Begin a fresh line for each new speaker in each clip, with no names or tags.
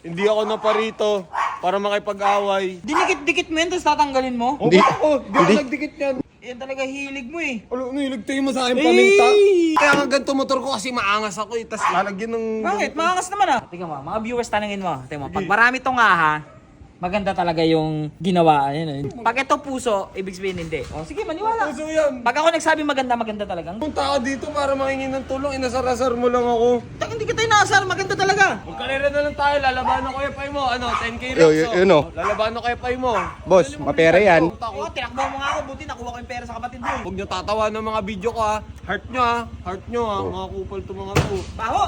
Hindi ako naparito para makipag-away.
Dinikit-dikit mo yan, tapos tatanggalin mo?
Hindi ako nagdikit yan.
Yan talaga hilig mo eh.
Ano, niligtay mo sa akin paminta? Kaya nga ganito motor ko kasi maangas ako eh. Tapos lalagyan ng...
Bakit? Maangas naman ah. Tingnan mo, mga viewers tanungin mo. Tingnan mo, pag marami tong ha, maganda talaga yung ginawa. Ayan, pag ito puso, ibig sabihin hindi. O sige, maniwala.
Puso yan.
Pag ako nagsabi maganda, maganda talaga.
Punta ka dito para makingi ng tulong. Inasar-asar mo lang ako.
Hindi kita inaasar, maganda talaga.
Magkalera na lang tayo. Lalabanan ko yung pay mo. Ano, 10k
Yo,
reps.
yun, oh.
Lalabanan ko yung pay mo.
Boss, mapera yan.
Oo, tinakbo mo nga ako. Buti nakuha ko yung pera sa kapatid mo.
Huwag nyo tatawa ng mga video ko ha. Heart nyo ha. Heart nyo ha. Mga kupal to mga to.
Baho!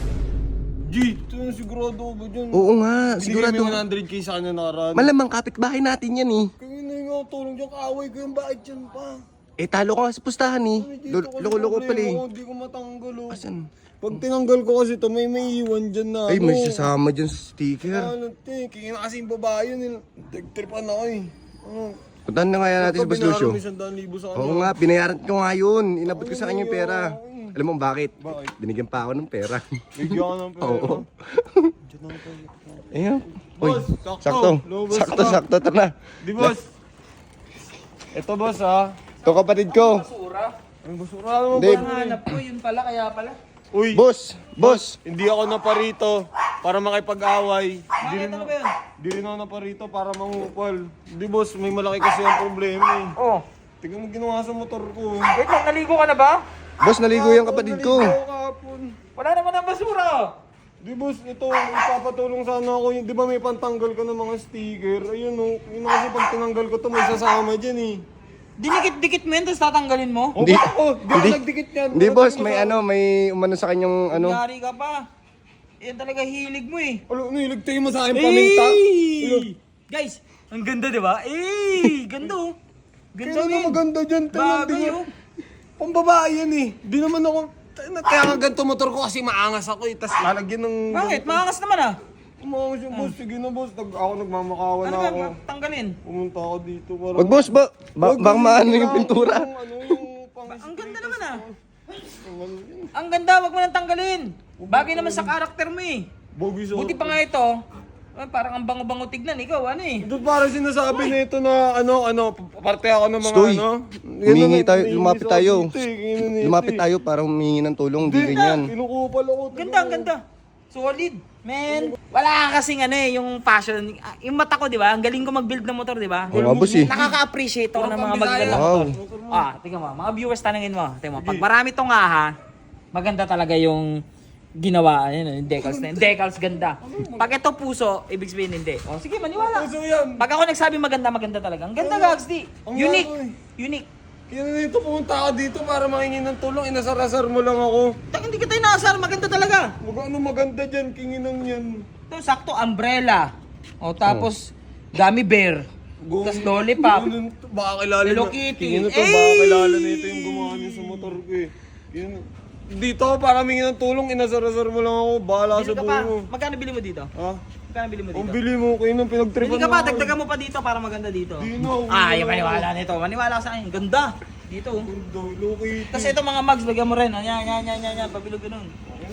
G, ito yung sigurado ba dyan?
Oo nga,
Sigurado.
sigurado.
Binigay 100k sa kanya nakaraan.
Malamang kapitbahay natin yan eh.
Kaya na yung tulong dyan. Kaaway ko yung bakit dyan pa.
Eh talo ka nga sa pustahan eh. Loko-loko pala eh.
Hindi ko matanggal oh.
Asan?
Pag tinanggal ko kasi ito, may iwan dyan na.
Ay, may sasama dyan sa sticker.
Ano te, kaya na kasi yung babae yun. Nagtripan ako eh. Ano?
Puntahan na nga yan natin sa Boss Lucio.
May 100,000 sa kanya.
Oo nga, binayaran ko nga yun. Inabot ko sa kanya yung pera. Alam mo bakit?
Bakit?
Binigyan pa ako ng pera.
Bigyan ka ng pera.
Oo.
Diyan lang tayo.
Ayun. Uy,
Boss, sakto.
sakto.
Lumabas
Sakto,
ka.
sakto. Tara na.
Di boss. Ito boss ha.
Ito kapatid ko.
Basura.
Ang basura naman
Hindi.
ba?
Hanap ko, yun pala, kaya pala.
Uy,
Boss, boss.
hindi ako naparito para makipag-away.
Bakit ano ba yun?
Di rin ako naparito para mangupal. Hindi boss, may malaki kasi ang problema eh.
Oh,
Tingnan mo ginawa sa motor ko.
wait lang, naligo ka na ba?
Boss, naligo yung kapatid ko.
Naligo ako kahapon.
Wala naman ang basura.
Di boss, ito, ipapatulong sana ako. Di ba may pantanggal ko ng mga sticker? Ayun o, yun kasi pag tinanggal ko to may sasama dyan eh.
Dinikit-dikit mo yan, tapos tatanggalin mo?
Hindi ako, di ako nagdikit yan.
Hindi boss, may ano, may umano sa kanyang ano.
Yari ka pa. Yan talaga hilig mo eh.
Ano, niligtay mo sa akin paminta?
Guys, ang ganda di ba? Ganda oh. Ganda
Kaya na
men.
maganda dyan.
Bagay oh.
Pambabae yan eh. Di naman ako, kaya nga ganito motor ko kasi maangas ako eh. Tapos lalagyan ng...
Bakit? Maangas naman ah.
Umangas yung boss. Sige na boss, ako nagmamakawan
Ano
na
ba?
ako.
Tanggalin.
Pumunta ako dito para...
Wag boss, baka maano yung pintura.
Ang
ganda naman ah. Ang ganda, wag mo nang tanggalin. Bagay naman sa karakter mo eh.
Bogi sa...
Buti pa nga ito. Parang ang bango-bango tignan. Ikaw ano eh.
Doon parang sinasabi nito na parte ako ng mga
Stoy.
ano.
Humingi tayo, lumapit tayo.
Lumapit
Lumapit tayo para humingi ng tulong, hindi ganyan.
Kinukupal ako.
Ganda, ang ganda. Solid. Man, wala ka kasing ano eh, yung passion. Yung mata ko, di ba? Ang galing ko mag-build ng motor, di ba?
Oo nga boss eh.
Nakaka-appreciate ako ng mga magaganda
Wow.
motor. Tingnan mo, mga viewers tanungin mo. Tingnan mo, pag marami tong ha, maganda talaga yung ginawa. Ayan, yung decals na yun. Decals ganda. Pag ito puso, ibig sabihin hindi. O sige, maniwala.
Puso yan.
Pag ako nagsabi maganda, maganda talaga. Ang ganda, Gags, di.
Ang
Unique.
ganda eh.
Unique.
Kaya na dito, pumunta ka dito para makingi ng tulong. Inasar-asar mo lang ako.
Hindi kita inaasar, maganda talaga.
Ano maganda dyan, kinginang yan.
Ito, sakto, umbrella. O tapos, gummy bear. Tapos lollipop.
Baka kilala
Hello
na.
Kitty.
Kingin na to, baka kilala na ito yung gumawa niya sa motor ko eh. Yun. Dito ako para mingi ng tulong, inasar-asar mo lang ako. Bahala
Bili
sa
ka
buhay
pa.
mo.
Magkano bili mo dito?
Ha?
Magkano bili mo
Ang
dito?
bili mo, kayo nang pinagtripan
Bili ka pa, dagdagan mo pa dito para maganda dito.
Di na,
Yung maniwala nito. Maniwala ka sa akin. Ganda. Dito. oh.
Loki.
Tapos ito mga mugs, lagyan mo rin. Yan. Pabilog ganun.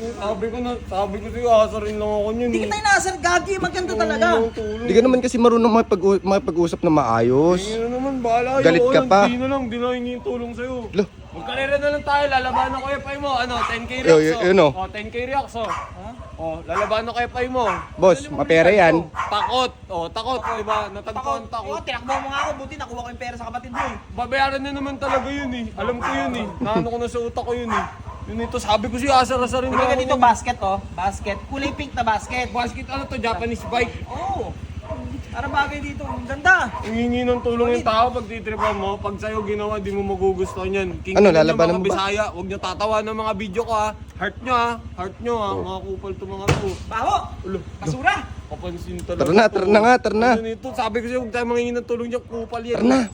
Sabi ko sa'yo, asarin lang ako niyan.
Hindi kita inaasar, gagi. Maganda talaga.
Hindi ka naman kasi marunong makipag-usap na maayos.
Hindi na naman, bahala.
Galit ka pa.
Di na lang, di na hingi yung tulong sa'yo.
Lo.
Magkalera na lang tayo, lalabanan ko yung pay mo. 10k
Yo,
reacts
yun, oh.
10k reacts lalabanan ko yung pay mo.
Boss, mapera yan.
Takot. Takot, di ba? Natagpuan
Oo,
takot.
tinakbo mo nga ako. Buti nakuha ko yung pera sa kapatid mo.
Babayaran na naman talaga yun eh. Alam ko yun eh. Naano ko na sa utak ko yun eh. Yun ito, sabi ko siya, asar-asarin
Bili ka dito basket oh. Basket. Kulay pink na basket.
Basket, ano to, Japanese bike.
Oo. Para bagay dito. Ang ganda.
Hingi ng tulong yung tao pag titripan mo. Pag sa'yo ginawa, di mo magugustuhan yan.
Ano, lalabanan
mga
mo ba?
Bisaya. Huwag nyo tatawa ng mga video ko ha. Heart nyo ha. Heart nyo ha. Mga kupal to mga to.
Baho.
Ulo.
Basura.
Kapansin talaga.
Tara na nga, tara na.
Ano nito, sabi ko sa'yo, huwag tayo mangingi ng tulong dyan. Kupal yan.
Tara na.